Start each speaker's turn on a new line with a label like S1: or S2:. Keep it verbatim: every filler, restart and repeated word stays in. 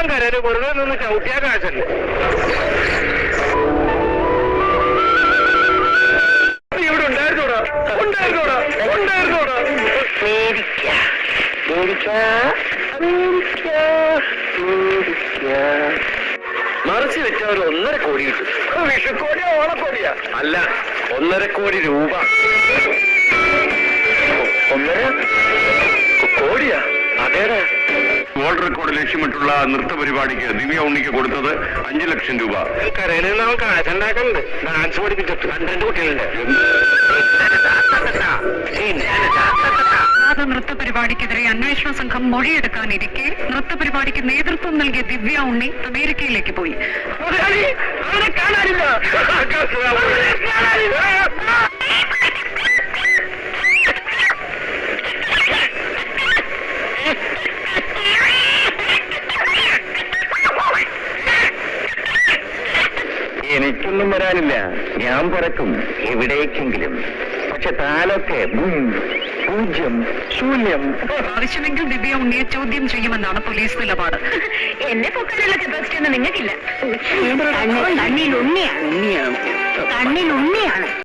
S1: സ്വന്തം കരയില് വെറുതെ നിന്ന് ചവിട്ടിയാ കാശല്ലേ. ഇവിടെ ഉണ്ടായിരുന്നോടാ ഉണ്ടായിരുന്നോടാ ഉണ്ടായിരുന്നോടാ മറിച്ച് വെച്ച ഒരു ഒന്നര കോടി കിട്ടും. വിഷുക്കോടിയാ ഓണക്കോടിയാ? അല്ല, ഒന്നര കോടി രൂപ. ഒന്നര കോടിയാ? അതേടാ.
S2: വേൾഡ് റെക്കോർഡ് ലക്ഷ്യമിട്ടുള്ള നൃത്ത പരിപാടിക്ക് ദിവ്യ ഉണ്ണിക്ക് കൊടുത്തത് അഞ്ചു ലക്ഷം രൂപ.
S1: കരയിൽ നിന്ന് അവൻ കാശുണ്ടാക്കുന്നുണ്ട്. ഡാൻസ് പഠിപ്പിച്ചിട്ട് പന്ത്രണ്ട് കുട്ടികളുണ്ട്.
S3: നൃത്ത പരിപാടിക്കെതിരെ അന്വേഷണ സംഘം മൊഴിയെടുക്കാനിരിക്കെ നൃത്ത പരിപാടിക്ക് നേതൃത്വം നൽകിയ ദിവ്യ ഉണ്ണി അമേരിക്കയിലേക്ക് പോയി.
S1: കാണാനില്ല.
S4: എനിക്കൊന്നും വരാനില്ല. ഞാൻ പറക്കും എവിടേക്കെങ്കിലും. പക്ഷെ താലൊക്കെ പൂജ്യം ശൂന്യം.
S3: ആവശ്യമെങ്കിൽ ദിവ്യ ഉണ്ണിയെ ചോദ്യം ചെയ്യുമെന്നാണ് പോലീസ് നിലപാട്.
S5: എന്നെ പൊക്കാനുള്ള കപ്പാസിറ്റി ഒന്നും നിങ്ങൾക്കില്ല. കണ്ണിൽ ഉണ്ണിയാണ്. കണ്ണിൽ ഉണ്ണിയാണ്.